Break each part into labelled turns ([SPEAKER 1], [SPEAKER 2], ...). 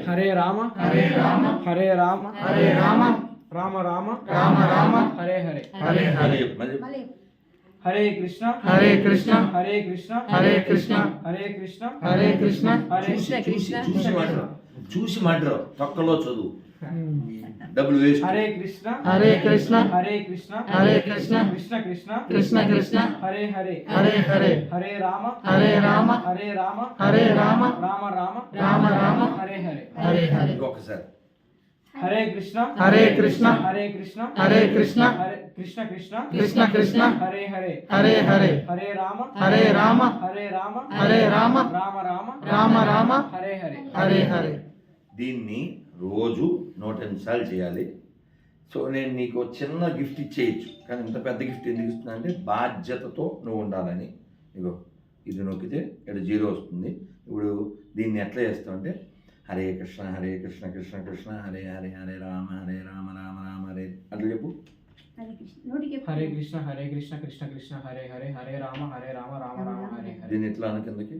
[SPEAKER 1] హరే రామ
[SPEAKER 2] హరే రామ
[SPEAKER 1] హరే రామ
[SPEAKER 2] హరే రామ
[SPEAKER 1] రామ రామ
[SPEAKER 2] రామ రామ
[SPEAKER 1] హరే హరే
[SPEAKER 2] హరే హరే
[SPEAKER 1] హరే కృష్ణ
[SPEAKER 2] హరే కృష్ణ
[SPEAKER 1] హరే కృష్ణ
[SPEAKER 2] హరే కృష్ణ
[SPEAKER 1] హరే కృష్ణ
[SPEAKER 2] హరే కృష్ణ
[SPEAKER 1] హరే
[SPEAKER 3] చూసి మాట్లాడు తొక్కలో చదువు డబ్బులు వేస్ట్.
[SPEAKER 1] హరే కృష్ణ
[SPEAKER 2] హరే కృష్ణ
[SPEAKER 1] హరే కృష్ణ
[SPEAKER 2] హరే కృష్ణ
[SPEAKER 1] కృష్ణ కృష్ణ
[SPEAKER 2] కృష్ణ కృష్ణ
[SPEAKER 1] హరే హరే
[SPEAKER 2] హరే హరే
[SPEAKER 1] హరే రామ
[SPEAKER 2] హరే రామ
[SPEAKER 1] హరే రామ
[SPEAKER 2] హరే రామ
[SPEAKER 1] రామ రామ
[SPEAKER 2] రామ రామ
[SPEAKER 1] హరే హరే
[SPEAKER 2] హరే హరే
[SPEAKER 3] ఇంకొకసారి
[SPEAKER 1] హరే కృష్ణ
[SPEAKER 2] హరే కృష్ణ
[SPEAKER 1] హరే కృష్ణ
[SPEAKER 2] హరే కృష్ణ
[SPEAKER 1] హరే కృష్ణ కృష్ణ
[SPEAKER 2] కృష్ణ కృష్ణ
[SPEAKER 1] హరే హరే
[SPEAKER 2] హరే హరే
[SPEAKER 1] హరే రామ
[SPEAKER 2] హరే రామ
[SPEAKER 1] హరే రామ
[SPEAKER 2] హరే రామ
[SPEAKER 1] రామ రామ
[SPEAKER 2] రామ రామ
[SPEAKER 1] హరే హరే
[SPEAKER 2] హరే హరే.
[SPEAKER 3] దీన్ని రోజు 108 సార్లు చేయాలి. సో నేను నీకు చిన్న గిఫ్ట్ ఇచ్చేయచ్చు, కానీ ఇంత పెద్ద గిఫ్ట్ ఎందుకు ఇస్తున్నా అంటే బాధ్యతతో నువ్వు ఉండాలని. ఇగో ఇది నొక్కితే ఇక్కడ 0 వస్తుంది. ఇప్పుడు దీన్ని ఎట్లా చేస్తావు అంటే హరే కృష్ణ హరే కృష్ణ కృష్ణ కృష్ణ హరే హరే హరే రామ రామ రామ హరే అట్లా చెప్పు.
[SPEAKER 1] హరే కృష్ణ హరే కృష్ణ కృష్ణ కృష్ణ హరే హరే హరే రామ రామ రామ హరే హరే.
[SPEAKER 3] దీన్ని ఎట్లా అను కిందకి,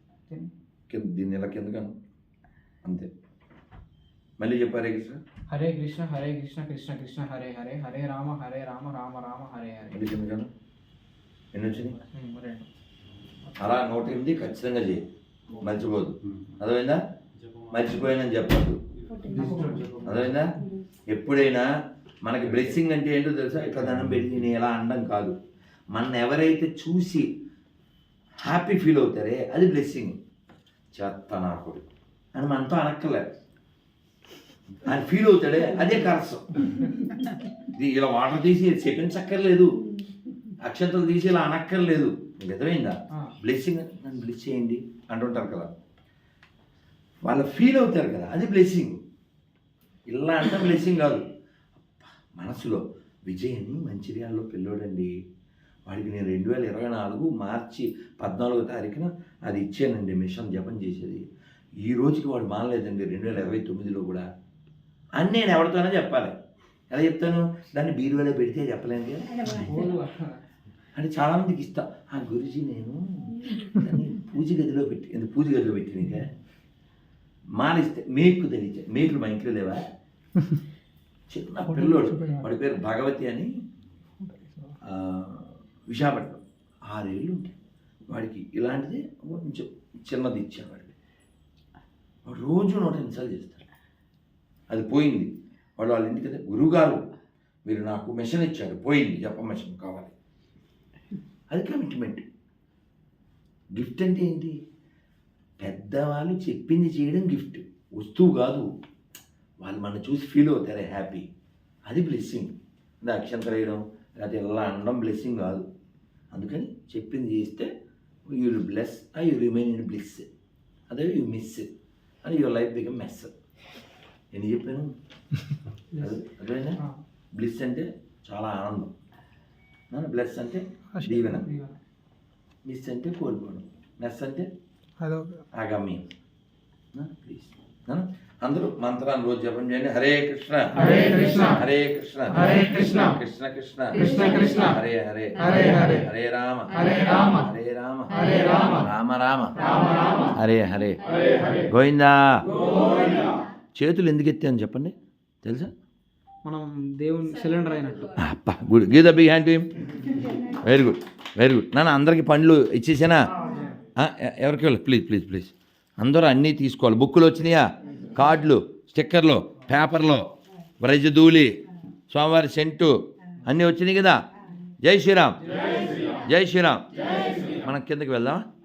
[SPEAKER 3] దీన్ని ఇలా కిందకి అను, అంతే. మళ్ళీ చెప్పు హరే కృష్ణ
[SPEAKER 1] హరే కృష్ణ హరే కృష్ణ కృష్ణ కృష్ణ హరే హరే హరే రామ రామ రామ హరే హరే.
[SPEAKER 3] మళ్ళీ కిందకి అను. ఎన్ని వచ్చినాయి?
[SPEAKER 1] 2.
[SPEAKER 3] అలా 108 ఖచ్చితంగా చేయి, మర్చిపోదు. అర్థమైందా? మర్చిపోయానని చెప్పద్దు, అర్థమైందా? ఎప్పుడైనా మనకి బ్లెస్సింగ్ అంటే ఏంటో తెలుసా? ఇట్లా దండం పెట్టి నేను ఎలా అనడం కాదు. మన ఎవరైతే చూసి హ్యాపీ ఫీల్ అవుతారే అది బ్లెస్సింగ్. చేత్తనాకుడు అని మనతో అనక్కర్లేదు, ఆయన ఫీల్ అవుతాడే అదే కరసం. ఇలా వాటర్ తీసి సెకండ్స్ అక్కర్లేదు, అక్షంతలు తీసి ఇలా అనక్కర్లేదు. మీకు అర్థమైందా? బ్లెస్సింగ్ నన్ను బ్లెస్ చేయండి అంటుంటారు కదా, వాళ్ళు ఫీల్ అవుతారు కదా, అది బ్లెస్సింగ్. ఇలా అంటే బ్లెస్సింగ్ కాదు. మనసులో విజయ్ అని మంచిర్యాలలో పిల్లోడండి, వాడికి నేను 2024 మార్చి 14వ తారీఖున అది ఇచ్చానండి, మిషన్ జపం చేసేది. ఈ రోజుకి వాడు మానలేదండి 2029లో కూడా అని నేను ఎవరితోనే చెప్పాలి. ఎలా చెప్తాను? దాన్ని బీరువాలో పెడితే చెప్పలేను అంటే చాలామందికి ఇస్తా. ఆ గురుజీ నేను దాన్ని పూజ గదిలో పెట్టి నీకే మాలిస్తే మేకు తెలియచే. మేకులు మా ఇంట్లో లేవా? చిన్న పిల్లోడు, వాడి పేరు భగవతి అని, విశాఖపట్నం, 6 ఏళ్ళు ఉంటాయి వాడికి. ఇలాంటిది కొంచెం చిన్నది ఇచ్చాను వాడికి. వాడు రోజు 108 సార్లు చేస్తాడు. అది పోయింది. వాడు వాళ్ళ ఇంటికి అయితే గురువుగారు మీరు నాకు మిషన్ ఇచ్చారు, పోయింది, జప మిషన్ కావాలి. అది కమిట్మెంట్. గిఫ్ట్ అంటే ఏంటి? పెద్దవాళ్ళు చెప్పింది చేయడం గిఫ్ట్, వస్తువు కాదు. వాళ్ళు మన చూసి ఫీల్ అవుతారే హ్యాపీ, అది బ్లెస్సింగ్. అది అక్షంతలు వేయడం లేకపోతే ఇలా అనడం బ్లెస్సింగ్ కాదు. అందుకని చెప్పింది చేస్తే you will bless, you remain in bliss. అదే యూ మిస్ అని యువర్ లైఫ్ బికమ్ మెస్. ఎన్ని చెప్పాను? అదేనా? బ్లిస్ అంటే చాలా ఆనందం, బ్లెస్ అంటే దీవెన, మిస్ అంటే కోల్పోవడం, మెస్ అంటే ఆగమ్యం. ప్లీజ్ అందరూ మంత్రాన్ని రోజు జపం చేయండి. హరే కృష్ణ
[SPEAKER 2] హరే కృష్ణ
[SPEAKER 3] హరే కృష్ణ
[SPEAKER 2] హరే కృష్ణ
[SPEAKER 3] కృష్ణ కృష్ణ
[SPEAKER 2] కృష్ణ కృష్ణ
[SPEAKER 3] హరే హరే
[SPEAKER 2] హరే హరే
[SPEAKER 3] హరే రామ
[SPEAKER 2] హరే రామ
[SPEAKER 3] హరే రామ
[SPEAKER 2] హరే రామ
[SPEAKER 3] రామ రామ
[SPEAKER 2] రామ రామ
[SPEAKER 3] హరే హరే
[SPEAKER 2] హరే హరే.
[SPEAKER 3] గోవిందా.
[SPEAKER 2] గోవిందా.
[SPEAKER 3] చేతులు ఎందుకు ఎత్తాను చెప్పండి, తెలుసా?
[SPEAKER 1] మనం దేవుని సిలిండర్ అయినట్టు.
[SPEAKER 3] అప్ప good, give the big hand to him. Very good very good. నాన్న అందరికి పండ్లు ఇచ్చేసానా? ఎవరికి వెళ్ళి ప్లీజ్ ప్లీజ్ ప్లీజ్ అందరూ అన్నీ తీసుకోవాలి. బుక్కులు వచ్చినాయా? కార్డులు, స్టిక్కర్లు, పేపర్లు, బ్రజధూళి, స్వామివారి సెంటు అన్నీ వచ్చినాయి కదా. జై శ్రీరామ్ జై శ్రీరామ్. మనం కిందకి వెళ్దామా?